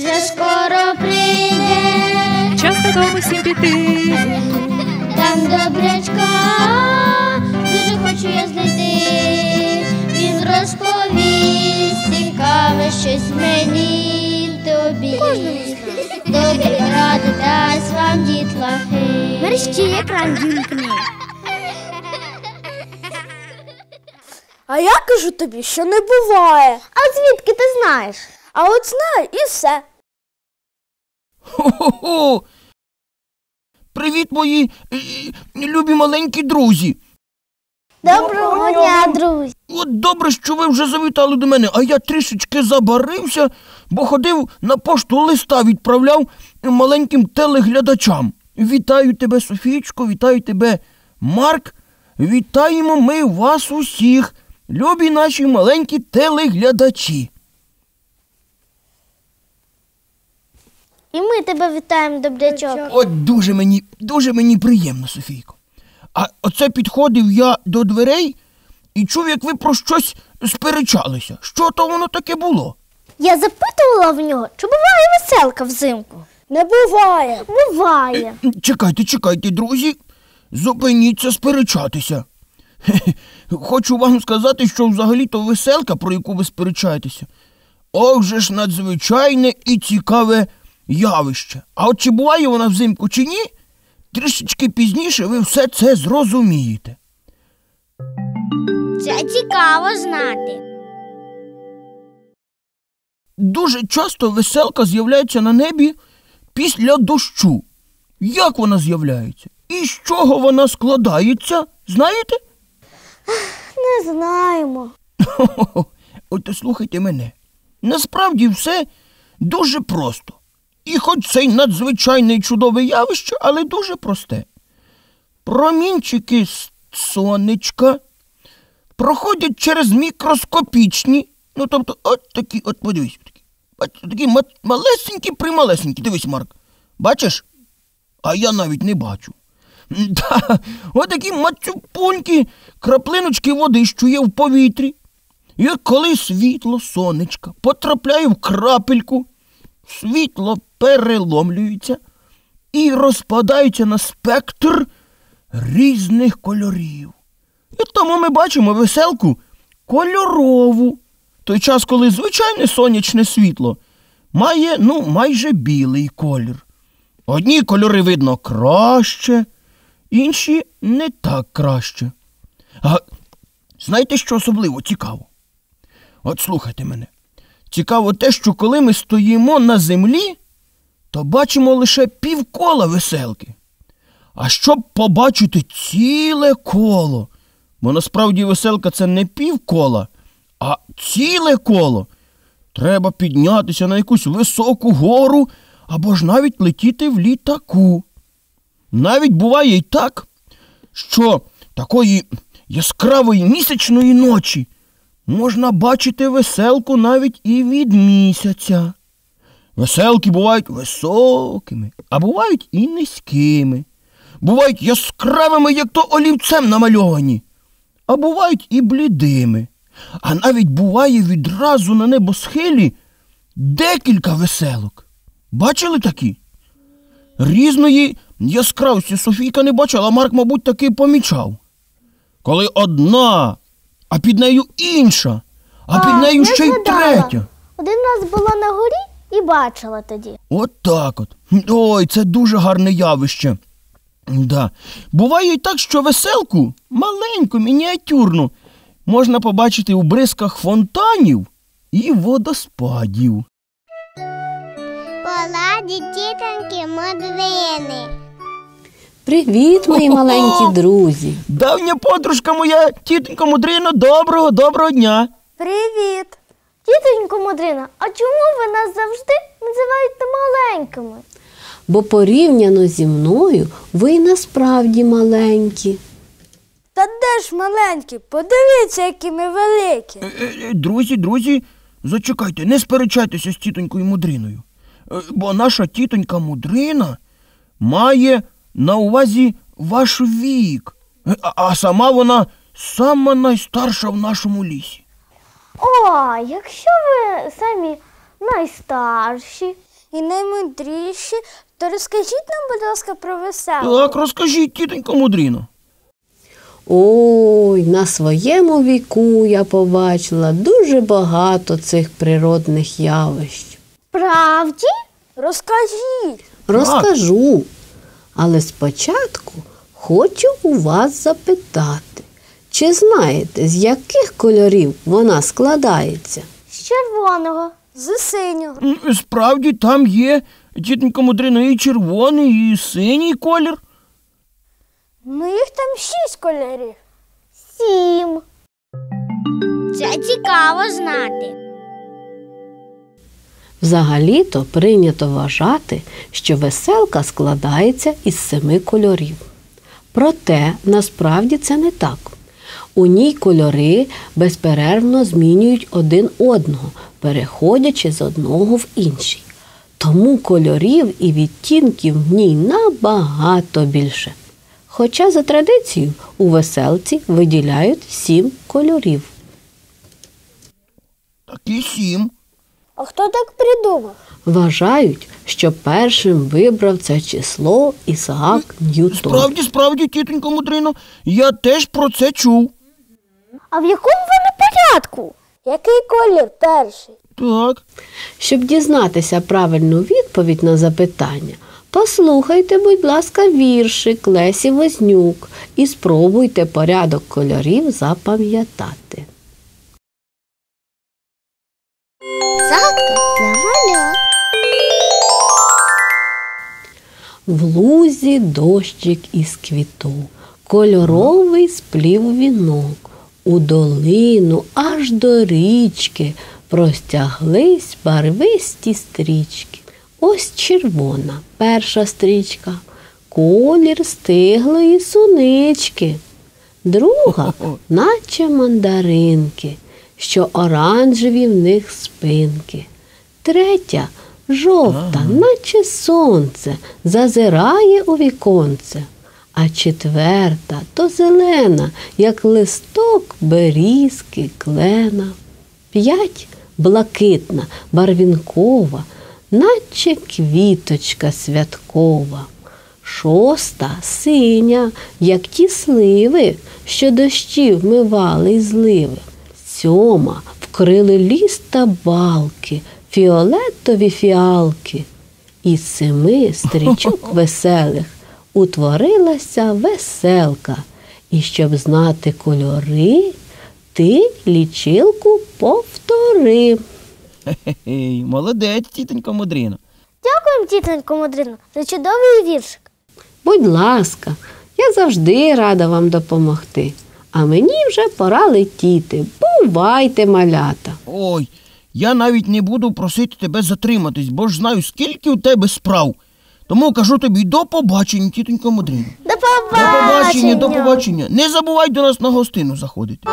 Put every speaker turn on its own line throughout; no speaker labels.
вже скоро прийде.
Час додому всім піти.
Там добрячка дуже хочу я знайти. Він розповість цікаве щось мені й тобі. Добрі ради дасть вам дітлахи.
Мерщій екран вімкни. А я кажу тобі, що не буває. А звідки ти знаєш? А от знаю і все.
Хо-хо-хо! Привіт, мої любі маленькі друзі!
Доброго дня, друзі!
От добре, що ви вже завітали до мене, а я трішечки забарився, бо ходив на пошту, листа відправляв маленьким телеглядачам. Вітаю тебе, Софійчко, вітаю тебе, Марк, вітаємо ми вас усіх, любі наші маленькі телеглядачі.
І ми тебе вітаємо, добрячок.
От дуже мені приємно, Софійко. А оце підходив я до дверей і чув, як ви про щось сперечалися. Що то воно таке було?
Я запитувала в нього, чи буває веселка взимку. Не буває. Буває.
Чекайте, друзі. Зупиніться сперечатися. Хочу вам сказати, що взагалі-то веселка, про яку ви сперечаєтеся, ох же ж надзвичайне і цікаве явище. А от чи буває вона взимку, чи ні, трішечки пізніше ви все це зрозумієте.
Це цікаво знати.
Дуже часто веселка з'являється на небі після дощу. Як вона з'являється? І з чого вона складається? Знаєте?
Не знаємо.
От слухайте мене. Насправді все дуже просто. І хоч це й надзвичайне і чудове явище, але дуже просте. Промінчики з сонечка проходять через мікроскопічні, тобто от такі, от подивись, такі малесенькі-прималесенькі. Дивись, Марк, бачиш? А я навіть не бачу. От такі мацюпунькі краплиночки води, що є в повітрі. І коли світло сонечка потрапляє в крапельку, світло переломлюється і розпадається на спектр різних кольорів. І тому ми бачимо веселку кольорову. Той час, коли звичайне сонячне світло має, майже білий колір. Одні кольори видно краще, інші не так краще. А знаєте, що особливо цікаво? От слухайте мене. Цікаво те, що коли ми стоїмо на землі, то бачимо лише півкола веселки. А щоб побачити ціле коло, бо насправді веселка – це не півкола, а ціле коло, треба піднятися на якусь високу гору або ж навіть летіти в літаку. Навіть буває й так, що такої яскравої місячної ночі можна бачити веселку навіть і від місяця. Веселки бувають високими, а бувають і низькими. Бувають яскравими, як то олівцем намальовані, а бувають і блідими. А навіть буває відразу на небосхилі декілька веселок. Бачили такі? Різної яскравості Софійка не бачила, а Марк, мабуть, таки помічав. Коли одна, а під нею інша, а під нею ще й третя.
Один раз була на горі і бачила тоді.
От так от. Ой, це дуже гарне явище. Да. Буває й так, що веселку, маленьку, мініатюрну, можна побачити у бризках фонтанів і водоспадів.
Поладі тітоньки Мудрини.
Привіт, мої маленькі друзі.
Давня подружка моя, тітонька Мудрина, доброго дня.
Привіт! Тітонько Мудрина, а чому ви нас завжди називаєте маленькими?
Бо порівняно зі мною ви насправді маленькі.
Та де ж маленькі? Подивіться, які ми великі.
Друзі, зачекайте, не сперечайтеся з тітонькою Мудриною. Бо наша тітонька Мудрина має на увазі ваш вік. А сама вона сама найстарша в нашому лісі.
О, якщо ви самі найстарші, і наймудріші, то розкажіть нам, будь ласка, про веселку.
Так, розкажіть, тітонько Мудрино.
Ой, на своєму віку я побачила дуже багато цих природних явищ.
Правді? Розкажіть.
Розкажу, але спочатку хочу у вас запитати, чи знаєте, з яких кольорів вона складається?
З червоного, з синього.
Справді, там є, тітонько Мудрино, і червоний, і синій колір.
Їх там 6 кольорів.
7. Це цікаво знати.
Взагалі-то прийнято вважати, що веселка складається із 7 кольорів. Проте, насправді це не так. У ній кольори безперервно змінюють один одного, переходячи з одного в інший. Тому кольорів і відтінків в ній набагато більше. Хоча за традицією у веселці виділяють 7 кольорів.
Такі 7.
А хто так придумав?
Вважають, що першим вибрав це число Ісаак Ньютон.
Справді, тітонько Мудрино, я теж про це чув.
А в якому вони порядку? Який колір перший?
Так.
Щоб дізнатися правильну відповідь на запитання, послухайте, будь ласка, віршик Лесі Вознюк і спробуйте порядок кольорів запам'ятати.
Загадка для малят.
В лузі дощик із квіток, кольоровий сплів вінок, у долину аж до річки простяглись барвисті стрічки. Ось червона перша стрічка, колір стиглої сунички. Друга, наче мандаринки, що оранжеві в них спинки. Третя, жовта, наче сонце, зазирає у віконце. А четверта то зелена, як листок берізки, клена. 5 блакитна, барвінкова, наче квіточка святкова. 6 синя, як ті сливи, що дощі вмивали й зливи. 7 вкрили ліс та балки, фіолетові фіалки. Із 7 стрічок веселих утворилася веселка. І щоб знати кольори, ти лічилку повтори.
Хе-хе, молодець, тітонько Мудрино.
Дякуємо, тітонько Мудрино, за чудовий віршик.
Будь ласка, я завжди рада вам допомогти. А мені вже пора летіти. Бувайте, малята.
Ой, я навіть не буду просити тебе затриматись, бо ж знаю, скільки у тебе справ. Тому кажу тобі до побачення, тітонько Мудрино.
До побачення!
До побачення. Не забувай до нас на гостину заходити.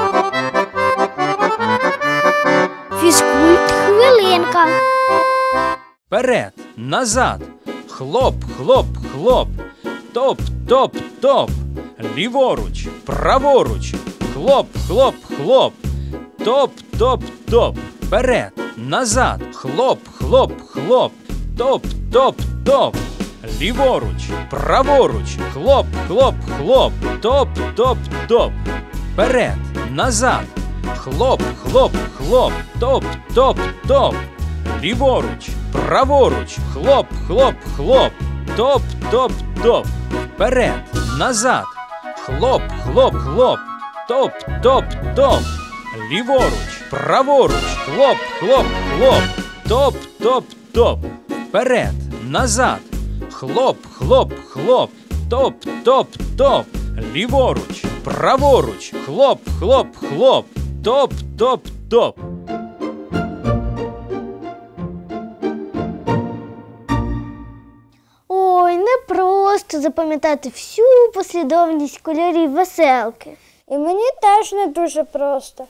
Фізкульт-хвилинка.
Вперед, назад, хлоп, хлоп, хлоп, топ, топ, топ, ліворуч, праворуч, хлоп, хлоп, хлоп, топ, топ, топ, вперед, назад, хлоп, хлоп, хлоп, топ, топ, топ, ліворуч, праворуч, хлоп, хлоп, хлоп, топ, топ, топ, вперед, назад, хлоп, хлоп, хлоп, топ, топ, топ, ліворуч, праворуч, хлоп, хлоп, хлоп, топ, топ, топ, вперед, назад, хлоп, хлоп, хлоп, топ, топ, топ, ліворуч, праворуч, хлоп, хлоп, хлоп, топ, топ, топ, вперед, назад, хлоп, хлоп, хлоп, топ, топ, топ, ліворуч, праворуч, хлоп, хлоп, хлоп, топ, топ, топ.
Ой, не просто запам'ятати всю послідовність кольорів веселки. І мені теж не дуже просто.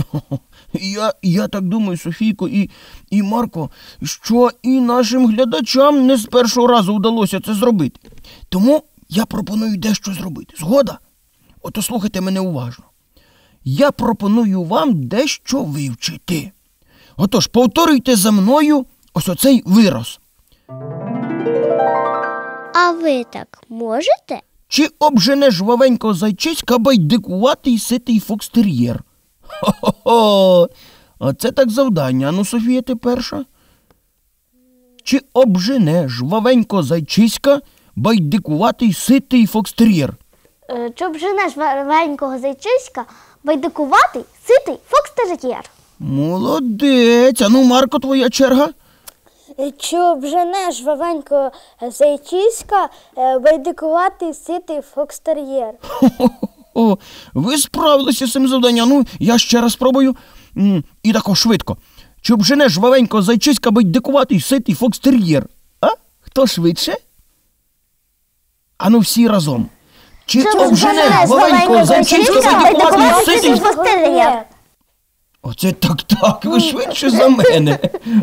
Я так думаю, Софійко і Марко, що і нашим глядачам не з першого разу вдалося це зробити. Тому я пропоную дещо зробити. Згода? Ото слухайте мене уважно. Я пропоную вам дещо вивчити. Отож, повторюйте за мною ось оцей вираз.
А ви так можете?
Чи обжене жвавенького зайчиська байдикуватий ситий фокстер'єр? Хо-хо-хо! Оце так завдання. Ану, Софія, ти перша. Чи обжене жвавенького зайчиська байдикуватий ситий фокстер'єр?
Щоб женеш валенького зайчиська, байдикуватий, ситий фокстер'єр.
Молодець. Ану, Марко, твоя черга.
Щоб женеш валенького зайчиська, байдикуватий, ситий фокстер'єр.
О, ви справилися з цим завданням. Ну, я ще раз спробую. І тако швидко. Чи обжене жвавенького зайчиська байдикуватий ситий фокстер'єр? А? Хто швидше? Ану, всі разом. Чи обжене жвавенького зайчиська байдикуватий ситий
фокстер'єр?
Оце так, ви швидше за мене.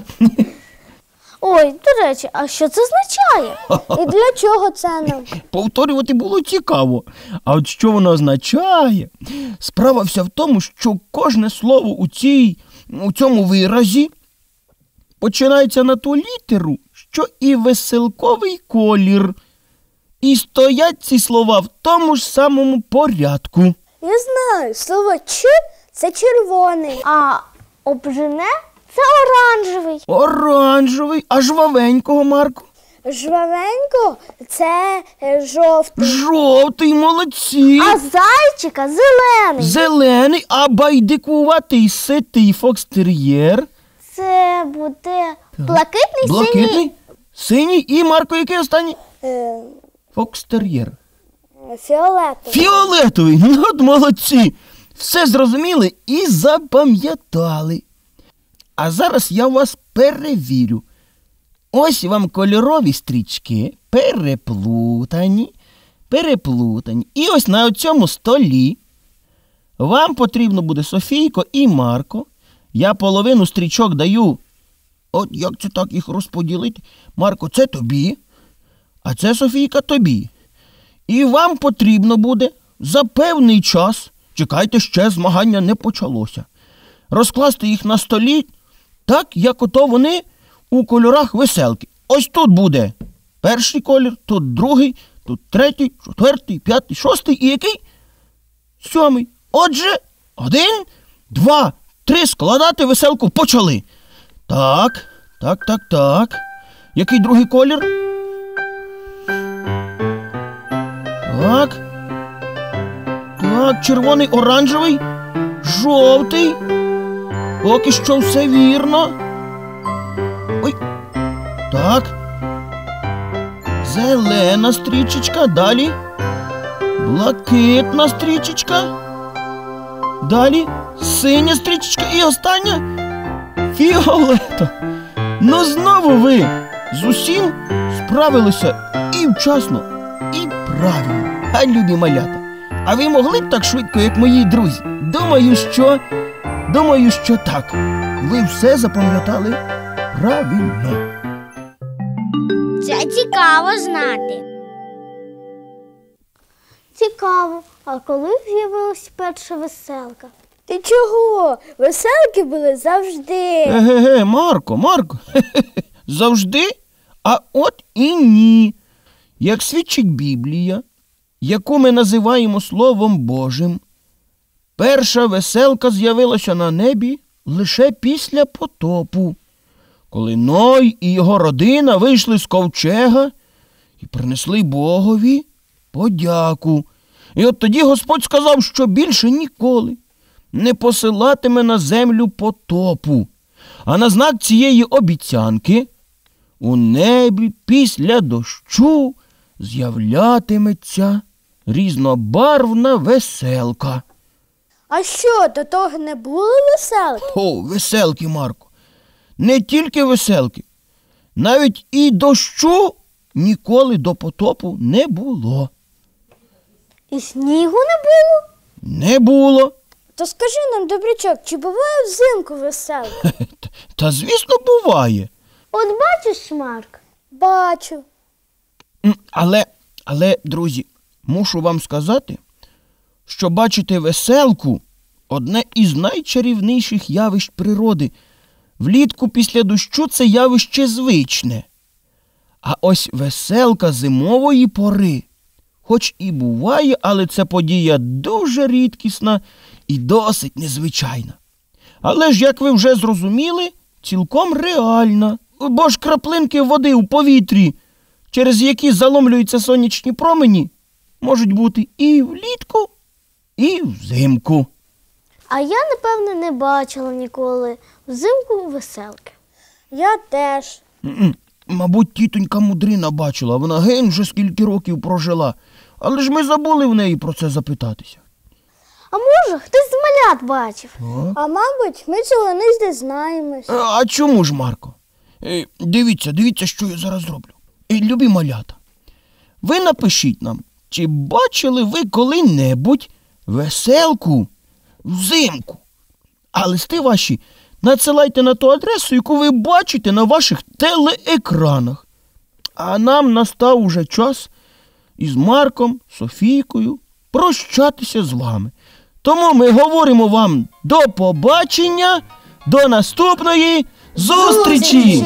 Ой, до речі, а що це означає? І для чого це нам?
Повторювати було цікаво. А от що воно означає? Справа вся в тому, що кожне слово у цьому виразі починається на ту літеру, що і веселковий колір. І стоять ці слова в тому ж самому порядку.
Я знаю, слово «ч» – це червоний, а обжене – це оранжевий.
Оранжевий, а жвавенького, Марко?
Жвавенько – це жовтий.
Жовтий, молодці.
А зайчика – зелений.
Зелений, а байдикуватий ситий фокстер'єр?
Це буде блакитний,
Блакитний, синій і, Марко, який останній?
синій,
Фокстер'єр.
фіолетовий.
Фіолетовий, ну от молодці. Все зрозуміли і запам'ятали. А зараз я вас перевірю. Ось вам кольорові стрічки, переплутані. І ось на цьому столі вам потрібно буде, Софійко і Марко. Я половину стрічок даю. От як це так їх розподілити? Марко, це тобі, а це, Софійка, тобі. І вам потрібно буде за певний час, чекайте, ще змагання не почалося, розкласти їх на столі так, як ото вони у кольорах веселки. Ось тут буде перший колір, тут другий, тут третій, четвертий, п'ятий, шостий і який? Сьомий. Отже, 1, 2, 3, складати веселку почали. Так. Який другий колір? Так, червоний, оранжевий, жовтий. Поки що все вірно. Ой, так. Зелена стрічечка, далі. Блакитна стрічечка. Далі синя стрічечка і остання фіолета. Ну знову ви з усім справилися і вчасно, і правильно. А любі малята, а ви могли б так швидко, як мої друзі? Думаю, що так. Ви все запам'ятали правильно.
Це цікаво знати.
Цікаво. А коли з'явилась перша веселка? Ти чого? Веселки були завжди.
Еге, Марко, завжди? А от і ні. Як свідчить Біблія, яку ми називаємо Словом Божим, перша веселка з'явилася на небі лише після потопу, коли Ной і його родина вийшли з ковчега і принесли Богові подяку. І от тоді Господь сказав, що більше ніколи не посилатиме на землю потопу. А на знак цієї обіцянки у небі після дощу з'являтиметься різнобарвна веселка.
А що, до того не було веселки?
О, веселки, Марко. Не тільки веселки. Навіть і дощу ніколи до потопу не було.
І снігу не було?
Не було.
То скажи нам, добрячок, чи буває взимку веселка?
Та звісно, буває.
От бачиш, Марк? Бачу.
Але, друзі, мушу вам сказати, що бачити веселку – одне із найчарівніших явищ природи. Влітку після дощу це явище звичне. А ось веселка зимової пори. Хоч і буває, але це подія дуже рідкісна і досить незвичайна. Але ж, як ви вже зрозуміли, цілком реальна. Бо ж краплинки води у повітрі, через які заломлюються сонячні промені, можуть бути і влітку, і взимку.
А я, напевне, не бачила ніколи взимку веселки. Я теж.
Мабуть, тітонька Мудрина бачила, вона гень вже скільки років прожила. Але ж ми забули в неї про це запитатися.
А може, хтось з малят бачив. А мабуть, ми цього не дізнаємось.
А чому ж, Марко? Дивіться, що я зараз зроблю. Любі малята, ви напишіть нам, чи бачили ви коли-небудь веселку взимку? А листи ваші надсилайте на ту адресу, яку ви бачите на ваших телеекранах. А нам настав уже час із Марком, Софійкою прощатися з вами. Тому ми говоримо вам до побачення, до наступної зустрічі!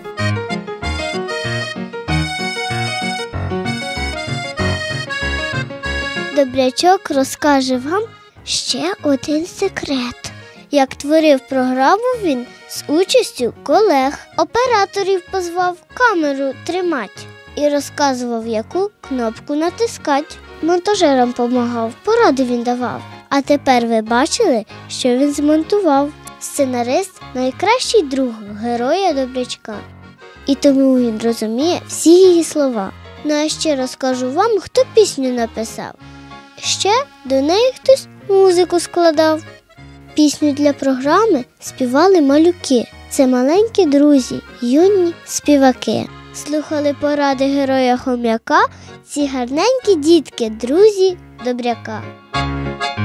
Добрячок розкаже вам ще один секрет. Як творив програму він з участю колег. Операторів позвав камеру тримати і розказував, яку кнопку натискати. Монтажерам помагав, поради він давав. А тепер ви бачили, що він змонтував. Сценарист – найкращий друг героя Добрячка. І тому він розуміє всі її слова. Ну а ще розкажу вам, хто пісню написав. Ще до неї хтось музику складав. Пісню для програми співали малюки. Це маленькі друзі, юні співаки. Слухали поради героя Хом'яка ці гарненькі дітки, друзі Добряка.